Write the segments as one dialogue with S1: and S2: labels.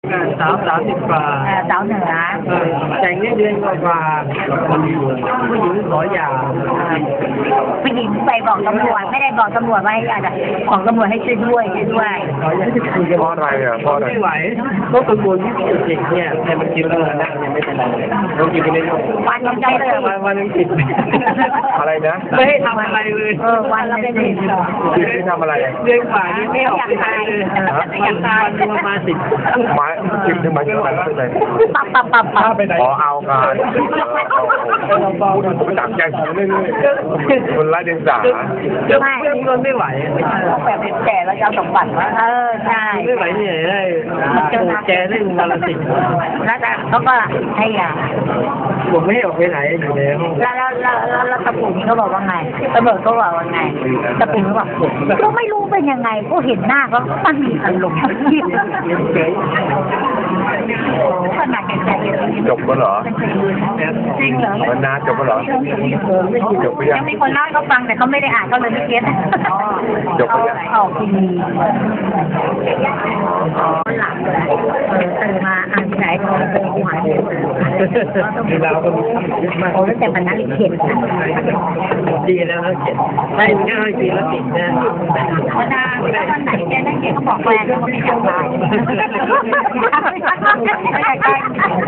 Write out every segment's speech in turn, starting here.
S1: 30 กว่า
S2: สาวเหนือ
S1: แต่งได้เดือนกว่าผู้หญิงขอหย่า
S2: ผู้หญิงไปบอกตำรวจไม่ได้บอกตำรวจว่าให้อาจจะของตำรวจให้ช่วยด้วย
S3: เพราะอะไรอ่ะเพราะอะไร
S1: ไม่ไหวก็กังวลที่เด็กเนี่ยแต่มันกินแล้วนะยังไม่เป็นไรเรากินไปเรื่อยๆ
S2: วันยังใจเลย
S1: วันนึงติด
S3: อะไรนะ
S1: ไม่ให้ทำอะไรเลย
S2: วันละเป็นติด
S3: ที่ทำอะไร
S1: เดือนกว่านี้ไม่ออกไปไหนเลยอยากตายประมาณ10
S3: หมายจิบถึงหมายถึงอะไรเลย
S2: ปับ
S3: ไปไหนอ๋อเอาการพูดจับแกงเรื่อยๆคนไร้เดียงสา
S1: ไม่มันไม่ไหว
S2: ต้องแบบเป็นแก่แล้วจะเอาสมบัติว่าใช่
S1: ไม่ไหวเนี่ยได้แกได้วันละ10
S2: แล้วแต่เขาก็ให้ยา
S1: ผมไม่ให้ออกไปไหนอยู่ในห้อง
S2: แล้วตะปูนี่เขาบอกว่าไงตำรวจเขาบอกว่าไงตะปูเขาบอกก็ไม่รู้เป็นยังไงก็เห็นหน้าก็มันมีอารมณ์ขนาดแก่
S3: จบแล้วเหรอ
S2: จริงเหรอ
S3: มันนานจบแล้วเหรอจบไป
S2: ยังมีคนเล่าเขาฟังแต่เขาไม่ได้อ่านเขาเลยไม่เก็ต
S3: จบไปยัง
S2: ออกทีวีหลังตื่นมาอ่านที่ไหนก็เป็นหวาน
S1: มีเราก็มี
S2: โอ้แต่มันนั่งเขียน
S1: ดีแล้วเขียนได้ง่ายดีแล้วติดนะ
S2: วันนั้นไหนแกนั่งเขียนเขาบอกแฟนเขาไม่อยากตายไม่อยากตาย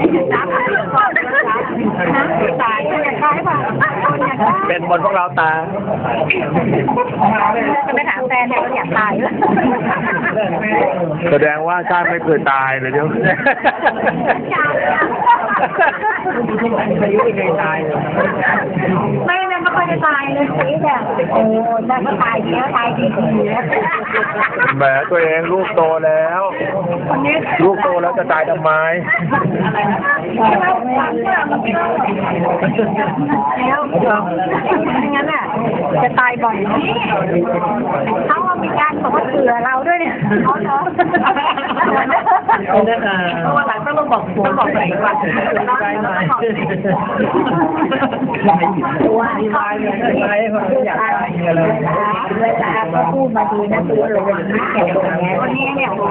S2: ตายไม่อยากตายป่ะ
S1: เป็นบนพวกเราตา
S2: จะไปถามแฟนเนี่ยเราอยากตาย
S3: แสดงว่าชาติไม่เคยตายเลยเดี๋ยว
S1: อายุไม่เคยตาย
S2: ไม่ค่อยจะตายเลยสิแบบโอ้ได้ก็ตายเยอะตายดีๆ
S3: แหมตัวเองลูกโตแล้วลูกโตแล้วจะตายทำไม
S2: แล้วงั้นอ่ะจะตายบ่อยเขามีการบอกว่าเผื่อเราด้วยเนี่ยเขาเนาะวันหลังต้องบอกตัวเองว่า
S1: มีลายอยากได้เงินเลย
S2: เวลาเขาพูดมาดีนะตัวเลยวันนี้เนี่ยโอ้โห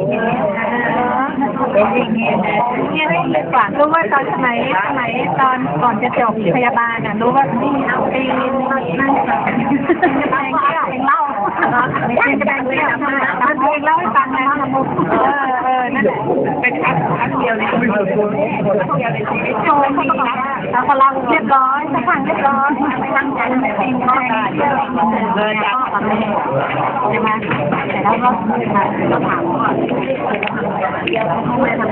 S2: เป็นอย่างเงี้ยเนี่ยได้เลยกว่ารู้ว่าตอนสมัยตอนก่อนจะจบพยาบาลรู้ว่านี่เอาไปนั่งเพลงเล่าไม่ใช่แสดงเพลงเล่าให้ฟังนะนั่นเป็นครั้งเดียวในชีวิตโชว์เขาบอกแล้วพลังเรียบร้อยสักครั้งเรียบร้อยตั้งใจเพลงได้เลยจากใช่ไหมแต่แล้วก็ถามว่าเดี๋ยวเขาไม่ทำ